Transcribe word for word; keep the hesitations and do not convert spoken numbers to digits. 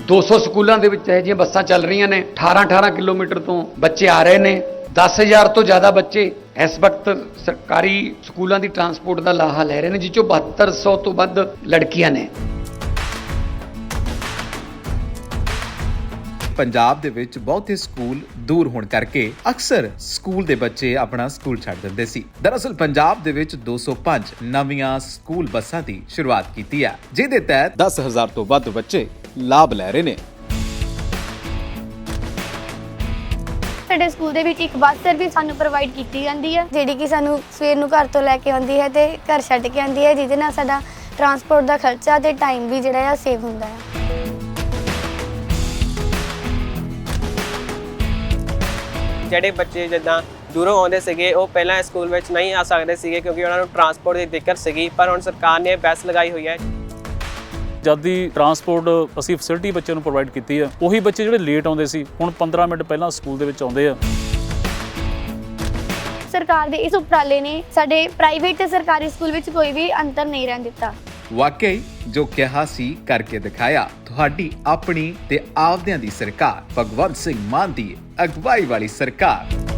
दो सौ ਸਕੂਲਾਂ ਦੇ ਵਿੱਚ ਇਹ ਜਿਹੀਆਂ ਬੱਸਾਂ ਚੱਲ ਰਹੀਆਂ ਨੇ। अठारह अठारह ਕਿਲੋਮੀਟਰ ਤੋਂ ਬੱਚੇ ਆ ਰਹੇ ਨੇ। दस हज़ार ਤੋਂ ਜ਼ਿਆਦਾ ਬੱਚੇ ਇਸ ਵਕਤ ਸਰਕਾਰੀ ਸਕੂਲਾਂ ਦੀ ਟਰਾਂਸਪੋਰਟ ਦਾ ਲਾਹਾ ਲੈ ਰਹੇ ਨੇ, ਜਿਸ ਚੋਂ ਬਹੱਤਰ ਸੌ ਤੋਂ ਵੱਧ ਲੜਕੀਆਂ ਨੇ। ਪੰਜਾਬ ਦੇ ਵਿੱਚ ਬਹੁਤੇ ਸਕੂਲ ਦੂਰ ਹੋਣ ਕਰਕੇ ਅਕਸਰ ਸਕੂਲ ਦੇ ਬੱਚੇ ਆਪਣਾ ਸਕੂਲ ਛੱਡ ਦਿੰਦੇ ਸੀ। ਦਰਅਸਲ ਪੰਜਾਬ ਦੇ ਵਿੱਚ ਦੋ ਸੌ ਪੰਜ ਨਵੀਆਂ ਸਕੂਲ ਬੱਸਾਂ ਦੀ ਸ਼ੁਰੂਆਤ ਕੀਤੀ ਹੈ, ਜਿਹਦੇ ਤਹਿਤ ਦਸ ਹਜ਼ਾਰ ਤੋਂ ਵੱਧ ਬੱਚੇ ਲਾਭ ਲੈ ਰਹੇ ਨੇ। ਸਾਡੇ ਸਕੂਲ ਦੇ ਵਿੱਚ ਇੱਕ ਬੱਸ ਸਰਵਿਸ ਸਾਨੂੰ ਪ੍ਰੋਵਾਈਡ ਕੀਤੀ ਜਾਂਦੀ ਹੈ, ਜਿਹੜੀ ਕਿ ਸਾਨੂੰ ਸਵੇਰ ਨੂੰ ਘਰ ਤੋਂ ਲੈ ਕੇ ਆਉਂਦੀ ਹੈ ਤੇ ਘਰ ਛੱਡ ਕੇ ਆਉਂਦੀ ਹੈ, ਜਿਹਦੇ ਨਾਲ ਸਾਡਾ ਟਰਾਂਸਪੋਰਟ ਦਾ ਖਰਚਾ ਤੇ ਟਾਈਮ ਵੀ ਜਿਹੜਾ ਆ ਸੇਵ ਹੁੰਦਾ ਹੈ। ਜਿਹੜੇ ਬੱਚੇ ਜਿੱਦਾਂ ਦੂਰੋਂ ਆਉਂਦੇ ਸੀਗੇ ਉਹ ਪਹਿਲਾਂ ਸਕੂਲ ਵਿੱਚ ਨਹੀਂ ਆ ਸਕਦੇ ਸੀਗੇ ਕਿਉਂਕਿ ਉਹਨਾਂ ਨੂੰ ਟਰਾਂਸਪੋਰਟ ਦੀ ਦਿੱਕਤ ਸੀਗੀ, ਪਰ ਹੁਣ ਸਰਕਾਰ ਨੇ ਬੱਸ ਲਗਾਈ ਹੋਈ ਹੈ। ਜਦ ਦੀ ਟਰਾਂਸਪੋਰਟ ਅਸੀਂ ਫੈਸਿਲਿਟੀ ਬੱਚਿਆਂ ਨੂੰ ਪ੍ਰੋਵਾਈਡ ਕੀਤੀ ਹੈ, ਉਹੀ ਬੱਚੇ ਜਿਹੜੇ ਲੇਟ ਆਉਂਦੇ ਸੀ ਹੁਣ ਪੰਦਰਾਂ ਮਿੰਟ ਪਹਿਲਾਂ ਸਕੂਲ ਦੇ ਵਿੱਚ ਆਉਂਦੇ ਆ। ਸਰਕਾਰ ਦੇ ਇਸ ਉਪਰਾਲੇ ਨੇ ਸਾਡੇ ਪ੍ਰਾਈਵੇਟ ਤੇ ਸਰਕਾਰੀ ਸਕੂਲ ਵਿੱਚ ਕੋਈ ਵੀ ਅੰਤਰ ਨਹੀਂ ਰਹਿਣ ਦਿੱਤਾ। ਵਾਕਈ ਜੋ ਕਿਹਾ ਸੀ ਕਰਕੇ ਦਿਖਾਇਆ। ਤੁਹਾਡੀ ਆਪਣੀ ਤੇ ਆਪਦਿਆਂ ਦੀ ਸਰਕਾਰ, ਭਗਵੰਤ ਸਿੰਘ ਮਾਨ ਦੀ ਅਗਵਾਈ ਵਾਲੀ ਸਰਕਾਰ।